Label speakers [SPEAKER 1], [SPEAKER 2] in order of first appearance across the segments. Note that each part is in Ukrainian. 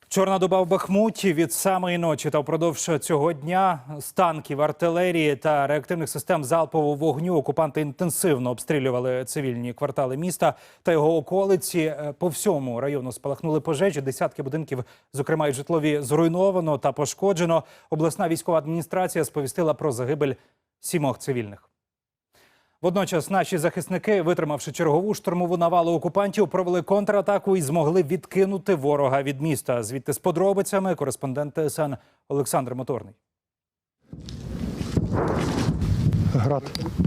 [SPEAKER 1] Чорна доба в Бахмуті від самої ночі та впродовж цього дня з танків, артилерії та реактивних систем залпового вогню окупанти інтенсивно обстрілювали цивільні квартали міста та його околиці. По всьому району спалахнули пожежі, десятки будинків, зокрема й житлові, зруйновано та пошкоджено. Обласна військова адміністрація сповістила про загибель 7 цивільних. Водночас наші захисники, витримавши чергову штурмову навалу окупантів, провели контратаку і змогли відкинути ворога від міста. Звідти з подробицями кореспондент ТСН Олександр Моторний.
[SPEAKER 2] Град.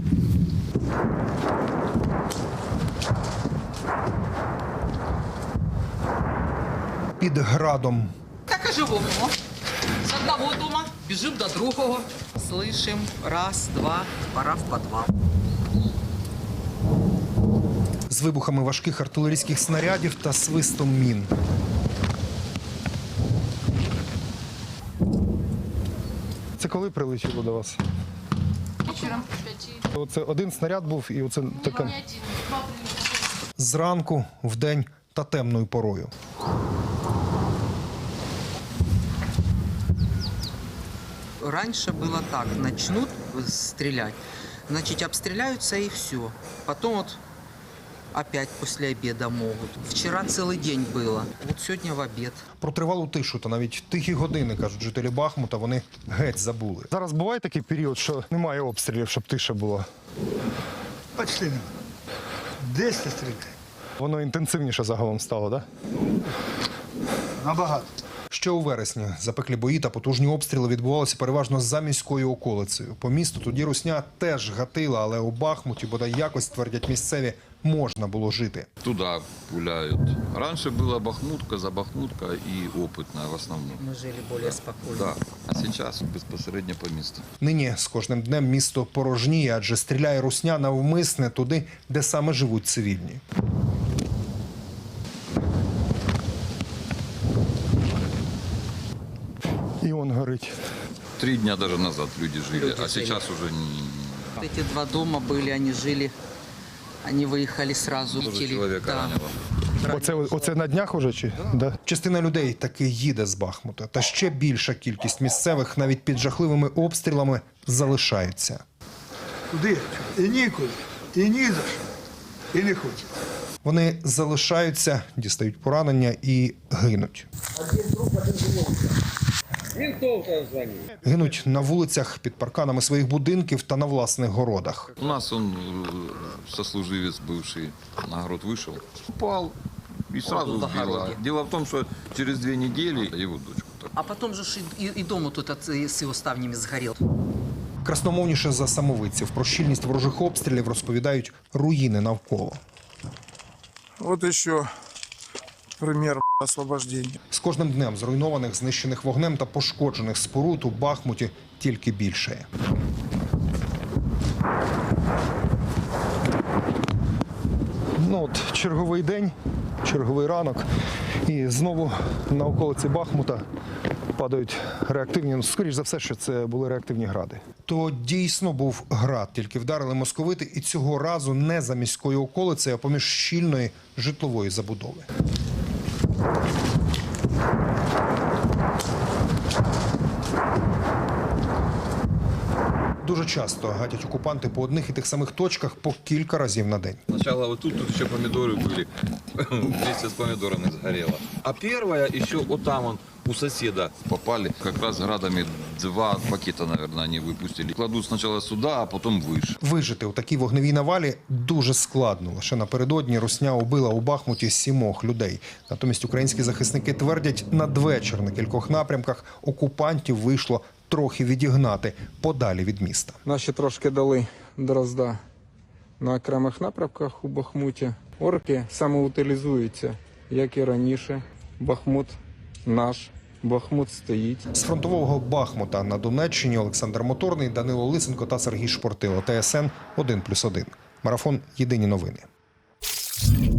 [SPEAKER 3] Під градом.
[SPEAKER 4] Так и живем. С одного дома бежим до другого. Слышим, раз, два, пора в подвал.
[SPEAKER 3] З вибухами важких артилерійських снарядів та свистом мін.
[SPEAKER 2] Це коли прилетіло до вас?
[SPEAKER 5] Вечером в 5.
[SPEAKER 2] Оце один снаряд був і оце така.
[SPEAKER 5] Не один, два прилета.
[SPEAKER 3] Зранку, вдень та темною порою.
[SPEAKER 4] Раньше было так, начнут стрелять, значит, обстреляются и все. Потом вот опять после обеда могут. Вчера целый день было, вот сегодня в обед.
[SPEAKER 3] Про тривалу тишу та навіть тихі години, кажуть жителі Бахмута, вони геть забули.
[SPEAKER 2] Зараз буває такий період, що немає обстрілів, щоб тиша була.
[SPEAKER 6] Почти нема. Десь стріляє.
[SPEAKER 2] Воно інтенсивніше загалом стало, так?
[SPEAKER 6] Набагато.
[SPEAKER 3] Ще у вересні запеклі бої та потужні обстріли відбувалися переважно за міською околицею. По місту тоді русня теж гатила, але у Бахмуті, бодай якось, твердять місцеві, можна було жити.
[SPEAKER 7] Туда пуляют. Раньше была Бахмутка, за Бахмутка и Опытная в основном.
[SPEAKER 4] Мы жили более спокойно.
[SPEAKER 7] Да. А сейчас безпосередньо по місту.
[SPEAKER 3] Нині з кожним днем місто порожніє, адже стріляє русня навмисне туди, де саме живуть цивільні.
[SPEAKER 2] І он горить.
[SPEAKER 7] 3 дня даже назад люди жили,
[SPEAKER 4] Люди
[SPEAKER 7] а
[SPEAKER 4] жили.
[SPEAKER 7] сейчас уже не...
[SPEAKER 4] Вот эти два дома были, они жили, они выехали сразу.
[SPEAKER 7] Тоже
[SPEAKER 4] Летели.
[SPEAKER 7] человека
[SPEAKER 4] Да.
[SPEAKER 7] ранило.
[SPEAKER 2] Оце на днях уже чи? Да.
[SPEAKER 3] Частина людей таки їде з Бахмута. Та ще більша кількість місцевих навіть під жахливими обстрілами залишаються.
[SPEAKER 6] Куди? І нікуди, і ні за що, і не хочу.
[SPEAKER 3] Вони залишаються, дістають поранення і гинуть. Гинуть на вулицях, під парканами своїх будинків та на власних городах.
[SPEAKER 7] У нас он сослуживец бывший на огород вышел, упал и сразу
[SPEAKER 4] на
[SPEAKER 7] сбило.
[SPEAKER 4] огороде.
[SPEAKER 7] Дело в том, что через 2 недели его дочку так.
[SPEAKER 4] А потом же и дом тут с его ставнями сгорел.
[SPEAKER 3] Красномовніше за самовидців про щільність ворожих обстрілів розповідають руїни навколо.
[SPEAKER 8] Вот еще пример освобождения.
[SPEAKER 3] З кожним днем зруйнованих, знищених вогнем та пошкоджених споруд у Бахмуті тільки більшає.
[SPEAKER 2] Ну от черговий день, черговий ранок. І знову на околиці Бахмута падають реактивні, ну, скоріш за все, що це були реактивні гради.
[SPEAKER 3] То дійсно був град, тільки вдарили московити, і цього разу не за міською околицею, а поміж щільної житлової забудови. Дуже часто гатять окупанти по одних і тих самих точках по кілька разів на день.
[SPEAKER 7] Сначала вот тут еще помидоры были, вместе с помидорами сгорело. А первая еще вот там он у соседа попали. Как раз градами 2 пакета, наверное, они выпустили. Кладут сначала сюда, а потом выше.
[SPEAKER 3] Вижити у такій вогневій навалі дуже складно. Лише напередодні русня убила у Бахмуті 7 людей. Натомість українські захисники твердять, надвечір на кількох напрямках окупантів вийшло трохи відігнати подалі від міста.
[SPEAKER 8] Наші трошки дали дрозда на окремих напрямках у Бахмуті. Орки самоутилізуються, як і раніше. Бахмут наш, Бахмут стоїть.
[SPEAKER 3] З фронтового Бахмута на Донеччині Олександр Моторний, Данило Лисенко та Сергій Шпортило. ТСН 1+1. Марафон. Єдині новини.